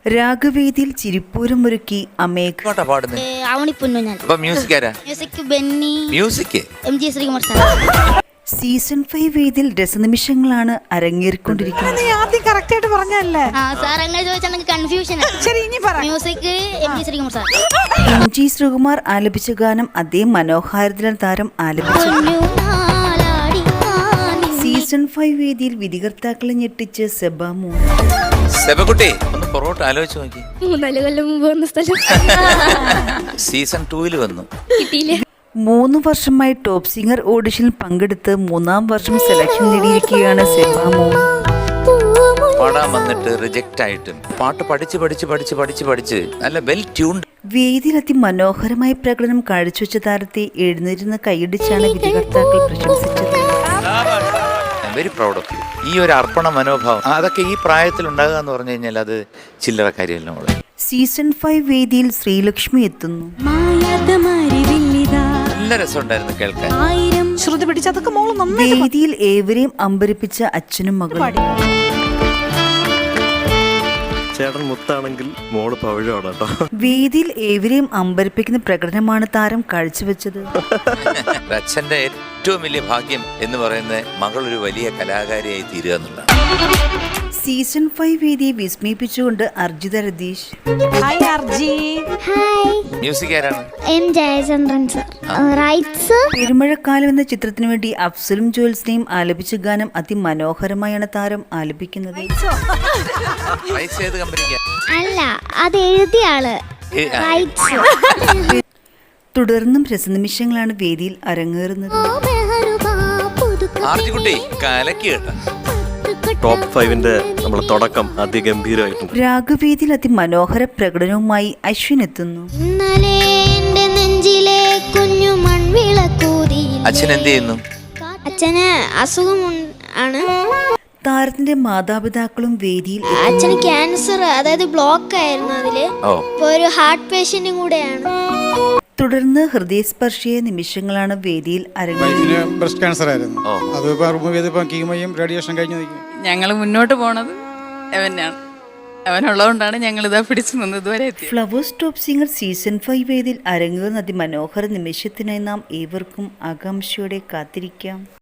രാഗവേദിയിൽ ചിരിപ്പൂരമൊരുക്കി Amegh. Season 5 വേദിയിൽ രസനിമിഷങ്ങളാണ് അരങ്ങേറിക്കൊണ്ടിരിക്കുന്നത്. MG Sreekumar ആലപിച്ച ഗാനം അതേ മനോഹാരിതല താരം ആലപിച്ചു. സീസൺ 5 വേദിയിൽ വിധികർത്താക്കളെ ഞെട്ടിച്ച് സെബാമോ. സെബകുട്ടി ഒന്ന് പൊറോട്ട ആലോചിച്ച് നോക്കി. 3 കൊല്ലം മുമ്പ് വന്ന സ്ഥലം സീസൺ 2 വന്നു. 3 വർഷമായി ടോപ്പ് സിംഗർ ഓഡിഷനിൽ പങ്കെടുത്ത് 3-ാം വർഷം സെലക്ഷൻ നേടിയിരിക്കുകയാണ് സെബാമോ. പാടാൻ വന്നിട്ട് റിജക്റ്റ് ആയിട്ടും പാട്ട് പഠിച്ച് നല്ല വെൽ ട്യൂൺഡ്. വേദിയിൽ അതിമനോഹരമായ പ്രകടനം കാഴ്ചവെച്ച താരത്തെ എഴുന്നേരുന്ന കൈയടിച്ചാണ് വിധികർത്താക്കൾ പ്രശംസിച്ചത്. Very proud of you. ഈ ഒരു അർപ്പണ മനോഭാവം അതൊക്കെ ഈ പ്രായത്തിൽ ഉണ്ടാകുക എന്ന് പറഞ്ഞു കഴിഞ്ഞാൽ അത് ചില്ലറ കാര്യമല്ല മോളെ. സീസൺ 5 വേദിയിൽ ശ്രീലക്ഷ്മി എത്തുന്നു. നല്ല രസമുണ്ടായിരുന്നു കേൾക്കാൻ. വേദിയിൽ ഏവരെയും അമ്പരിപ്പിച്ച അച്ഛനും മകളും. ചേട്ടൻ മുത്താണെങ്കിൽ മോള് പവിഴമാണ് കേട്ടോ. വേദിയിൽ ഏവരെയും അമ്പരിപ്പിക്കുന്ന പ്രകടനമാണ് താരം കാഴ്ചവെച്ചത്. അച്ഛന്റെ ഏറ്റവും വലിയ ഭാഗ്യം എന്ന് പറയുന്നത് മകൾ ഒരു വലിയ കലാകാരിയായി തീരുക എന്നുള്ളതാണ്. സീസൺ 5 വേദിയെ വിസ്മയിപ്പിച്ചുകൊണ്ട് അർജിത രതീഷ്. മ്യൂസിക് ആരാണ്? M. ജയചന്ദ്രൻ സർ. പെരുമഴക്കാലം എന്ന ചിത്രത്തിനു വേണ്ടി അഫ്സലും ജോൽസിനെയും ആലപിച്ച ഗാനം അതിമനോഹരമായാണ് താരം ആലപിക്കുന്നത്. അല്ല, അത് എഴുതിയ ആള്. തുടർന്നും രസനിമിഷങ്ങളാണ് വേദിയിൽ അരങ്ങേറുന്നത്. ടോപ്പ് 5-ന്റെ നമ്മുടെ തുടക്കം അതിഗംഭീരമായിട്ടുണ്ട്. രാഗവേദിയിൽ അതിമനോഹര പ്രകടനവുമായി അശ്വിൻ എത്തുന്നു. അച്ഛൻ എന്ത് ചെയ്യുന്നു? അച്ഛന് അസുഖം ആണ്. താരത്തിന്റെ മാതാപിതാക്കളും വേദിയിൽ. അച്ഛന് ക്യാൻസർ, അതായത് ബ്ലോക്ക് ആയിരുന്നു. അതില് ഇപ്പൊ ഒരു ഹാർട്ട് പേഷ്യന്റും കൂടെയാണ്. തുടർന്ന് ഹൃദയസ്പർശിയായ നിമിഷങ്ങളാണ് വേദിയിൽ അരങ്ങേറുന്നത്. ബ്രസ്റ്റ് ക്യാൻസർ ആയിരുന്നു. അത് റിമൂവ് ചെയ്തപ്പോൾ കീമോയും റേഡിയേഷൻ കഴിഞ്ഞു. ഞങ്ങൾ മുന്നോട്ട് പോണത് അവനാണ്. അവനുള്ളതുകൊണ്ടാണ് ഞങ്ങൾ ഇതാ പിടിച്ചു നിന്നത് ഇതുവരെ. ഫ്ലവേഴ്സ് ടോപ്പ് സിംഗർ സീസൺ 5 വേദിയിൽ അരങ്ങേറുന്ന അതിമനോഹര നിമിഷത്തിനായി നാം ഏവർക്കും ആകാംക്ഷയോടെ കാത്തിരിക്കാം.